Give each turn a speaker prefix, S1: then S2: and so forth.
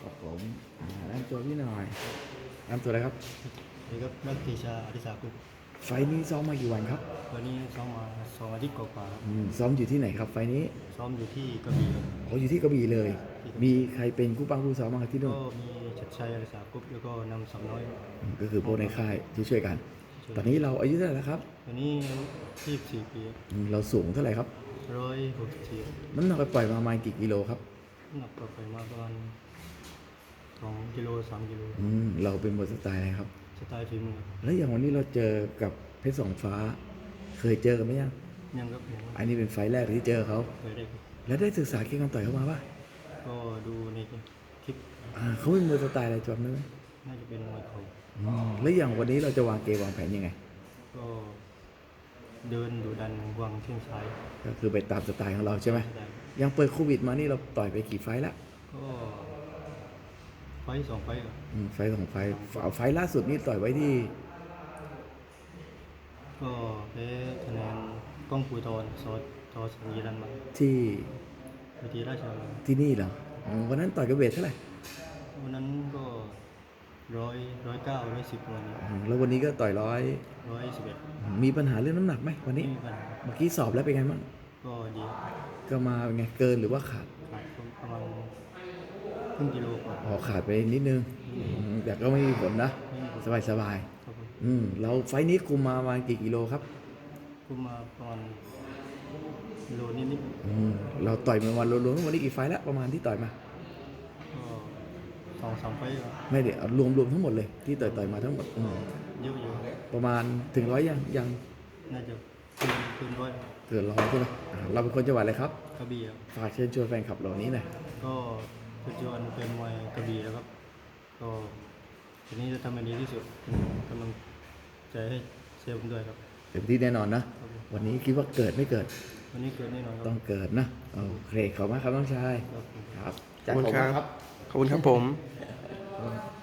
S1: ครับผมแนะนำตัวพี่หน่อยแนะนำตัวอะไรครับ
S2: นี่ก็นักตีชาอธิสากุล
S1: ไฟล์นี้ซ้อมมากี่วันครับ
S2: วันนี้ซ้อมมา2 อาทิตย์กว่าๆครับ
S1: ซ้อมอยู่ที่ไหนครับไฟล์นี้
S2: ซ้อมอยู่ที่กระบี่ครับ
S1: เขาอยู่ที่กระบี่เลย มีใครเป็นคู่ปั้งคู่ซ้อมบ้างครับที่นู่น
S2: ก็มีชัดชัยอธิสากุลแล้วก็นำสำน้อย
S1: ก็คือพวกในค่ายที่ช่วยกัน ตอนนี้เราอายุเท่าไหร่แล้วครับ
S2: วันนี้24 ปี
S1: เราสูงเท่าไหร่ครับ
S2: 164
S1: น้ำหนักไปปล่อยมาประมาณกี่กิโลครับ
S2: น้ำหนักก็ไปมาประมาณ2 กิโล 3 กิโล
S1: เราเป็นมวยสไตล์อะไรครับ
S2: สไตล์ฝีมือ
S1: แล้วอย่างวันนี้เราเจอกับเพชรสองฟ้า เคยเจอกันไหมยัง
S2: ยังครับผม
S1: อันนี้เป็นไฟล์แรกที่เจอเขา
S2: เคยได้ครับ
S1: แล้วได้ศึกษาเกมการต่อยเขามาป่ะ
S2: ก็ดูในคลิป
S1: เขาเป็นมวยสไตล์อะไรจำได้ไหม
S2: น่าจะเป็นมวยเขา
S1: แล้วอย่างวันนี้เราจะวางเกมวางแผนยังไง
S2: ก็เดินดูดันวางแข้งซ้าย
S1: ก็คือไปตามสไตล์ของเราใช่ไหม
S2: ได้
S1: ยังเปิดโควิดมานี่เราต่อยไปกี่ไฟล์แล้ว
S2: ก็2 ไฟล์ครับ
S1: ไฟล์ของไฟล์ล่าสุดนี่ต่อยไว้ที่
S2: ก็แพ้คะแนนกล้องปูทรทอสัญญาณมา
S1: ที่
S2: วิธีราชดำเนิน
S1: ที่นี่เหรอวันนั้นต่อยกับเวทเท่าไหร่
S2: วันนั้นก็109 110วันนี้
S1: แล้ววันนี้ก็ต่อย
S2: 111
S1: มีปัญหาเรื่องน้ำหนักไหมวันนี้
S2: ไม่มีปัญหา
S1: เมื่อกี้สอบแล้วเป็นไงบ้าง
S2: ก็ดี
S1: ก็มาเป็นไงเกินหรือว่าขาด
S2: ขาดประมาณครึ่งกิโลกว่า
S1: ขาดไปนิดนึงแต่ก็ไม่มีผลนะสบาย
S2: ครับผม
S1: เราไฟล์นี้คุมมาประมาณกี่กิโลครับ
S2: คุมมาประมาณโลนิด
S1: เราต่อยมาวันรวมๆวันนี้กี่ไฟล์แล้วประมาณที่ต่อยมา
S2: ก็2-3 ไฟล์ครับ
S1: ไม่เดี๋ยวรวมทั้งหมดเลยที่ต่อยมาทั้งหมด
S2: เยอะอยู่
S1: ประมาณถึง100ยัง
S2: น่าจะเกินร้อย
S1: เกิน100ใช่ไหมเราเป็นคนจังหวัดอะไรครับ
S2: กระบี่ครับ
S1: ฝากเชิญชวนแฟนคลับเหล่านี้หน่อย
S2: ก็ปัจจุบันเป็นมวยกระบี่แล้วครับก็ทีนี้จะทำให้ดีที่สุดกำลังใจให้เชียร์ผมด้วยครับ
S1: เต็มที่แน่นอนนะวันนี้คิดว่าเกิดไม่เกิด
S2: วันนี้เกิดแน่นอนครับ
S1: ต้องเกิดนะโอเคขอบคุณมากครับน้องชาย
S2: ครับ
S1: ครับ
S3: ขอบคุณครับ ขอบคุณครับผม